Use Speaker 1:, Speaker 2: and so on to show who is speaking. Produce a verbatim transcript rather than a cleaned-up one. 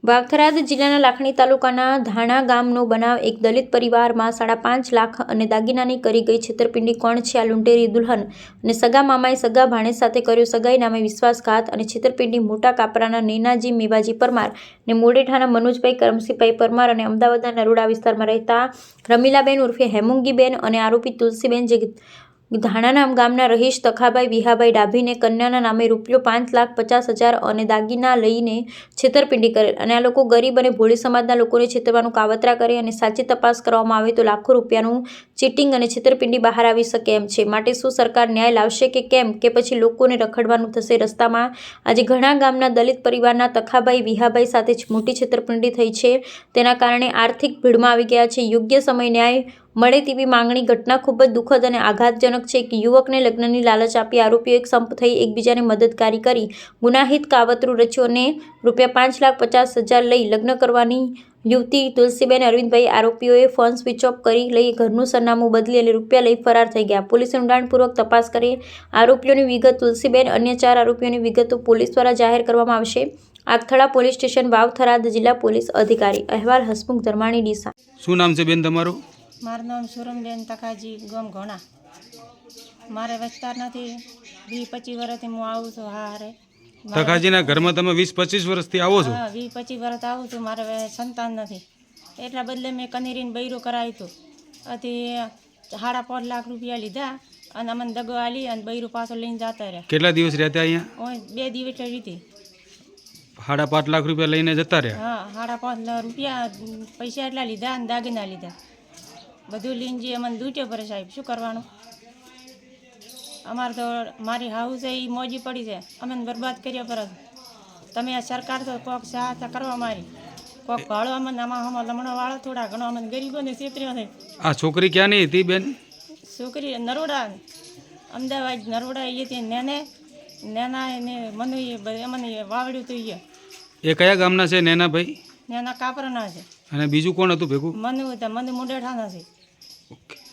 Speaker 1: વાવથરાદ જિલ્લાના લાખણી તાલુકાના ધાણા ગામનો બનાવ એક દલિત પરિવારમાં સાડા પાંચ લાખ અને દાગીનાની કરી ગઈ છેતરપિંડી કોણ છે? આ લૂંટેરી દુલ્હન અને સગા મામાએ સગા ભાણેજ સાથે કર્યો સગાઈ નામે વિશ્વાસઘાત અને છેતરપિંડી. મોટા કાપરાના નૈનાજી મેવાજી પરમાર અને મોડેઠાના મનોજભાઈ કરમસીભાઈ પરમાર અને અમદાવાદના નરોડા વિસ્તારમાં રહેતા રમીલાબેન ઉર્ફે હેમુંગીબેન અને આરોપી તુલસીબેન જે ધાણાના ગામના રહીશ તખાભાઈ વિહાભાઈ ડાભીને કન્યાના નામે રૂપિયો પાંચ લાખ પચાસ હજાર અને દાગીના લઈને છેતરપિંડી કરેલ અને આ લોકો ગરીબ અને ભોળી સમાજના લોકોને છેતરવાનું કાવતરા કરે અને સાચી તપાસ કરવામાં આવે તો લાખો રૂપિયાનું ચીટિંગ અને છેતરપિંડી બહાર આવી શકે એમ છે. માટે શું સરકાર ન્યાય લાવશે કે કેમ, કે પછી લોકોને રખડવાનું થશે રસ્તામાં? આજે ઘણા ગામના દલિત પરિવારના તખાભાઈ વિહાભાઈ સાથે મોટી છેતરપિંડી થઈ છે. તેના કારણે આર્થિક ભીડમાં આવી ગયા છે. યોગ્ય સમય ન્યાય મળે તેવી માંગણી. ઘટના ખૂબ જ દુઃખદ અને આઘાતજનક છે કે યુવકને લગ્નની લાલચ આપી આરોપીઓ એક સંપ થઈ એકબીજાને મદદગારી કરી ગુનાહિત કાવતરું રચ્યું અને રૂપિયા પાંચ લાખ પચાસ હજાર લઈ લગ્ન કરવાની યુવતી તુલસીબેન અરવિંદભાઈ આરોપીઓએ ફોન સ્વિચ ઓફ કરી લઈ ઘરનું સરનામું બદલી અને રૂપિયા લઈ ફરાર થઈ ગયા. પોલીસે ઊંડાણપૂર્વક તપાસ કરી આરોપીઓની વિગત તુલસીબેન અન્ય ચાર આરોપીઓની વિગતો પોલીસ દ્વારા જાહેર કરવામાં આવશે. આગથળા પોલીસ સ્ટેશન વાવથરાદ જિલ્લા પોલીસ અધિકારી અહેવાલ હસમુખ ધર્માણી ડીસા.
Speaker 2: શું નામ છે બેન તમારું?
Speaker 3: મારું નામ સુરમબેન તકાજી ગમ ઘોણા. મારે વિસ્તાર નથી. વીસ પચીસ વર્ષથી હું આવું છું. હા હારે
Speaker 2: તકાજીના ઘરમાં તમે વીસ પચીસ વર્ષથી આવો છો?
Speaker 3: હા વીસ પચીસ વર્ષ આવું છું. મારે સંતાન નથી એટલા બદલે મેં કનીરીને બૈરું કરાવ્યું હતું. અથી સાડા પાંચ લાખ રૂપિયા લીધા અને અમને દગો આલી અને બૈરું પાછો લઈને જતા રહ્યા.
Speaker 2: કેટલા દિવસ રહેતા અહીંયા?
Speaker 3: બે દિવસ રીતી
Speaker 2: સાડા પાંચ લાખ રૂપિયા લઈને જતા રહ્યા?
Speaker 3: હા સાડા પાંચ રૂપિયા પૈસા એટલા લીધા અને દાગીના લીધા. બધું લઈને જે અમને દૂટ્યો પડે સાહેબ, શું કરવાનું? અમારે તો મારી હાઉસ છે એ મોજી પડી છે, અમને બરબાદ કર્યા પર. તમે આ સરકાર તો કોક સહાયતા કરવા મારી, કોક ભાડો અમને આમાં આમાં લમણો વાળો થોડા ઘણો અમને ગરીબોને છેતર્યો છે.
Speaker 2: આ છોકરી ક્યાંની હતી બેન?
Speaker 3: છોકરી નરોડા, અમદાવાદ નરોડા એ તે નેને નેના એને મનુ એ મને વાવડ્યું હતું. એ
Speaker 2: એ કયા ગામના છે નેનાભાઈ?
Speaker 3: નેના કાપરાના છે.
Speaker 2: અને બીજું કોણ હતું ભેગું?
Speaker 3: મનુ હતા, મનુ મુંડેઠાના છે.
Speaker 2: ઓકે.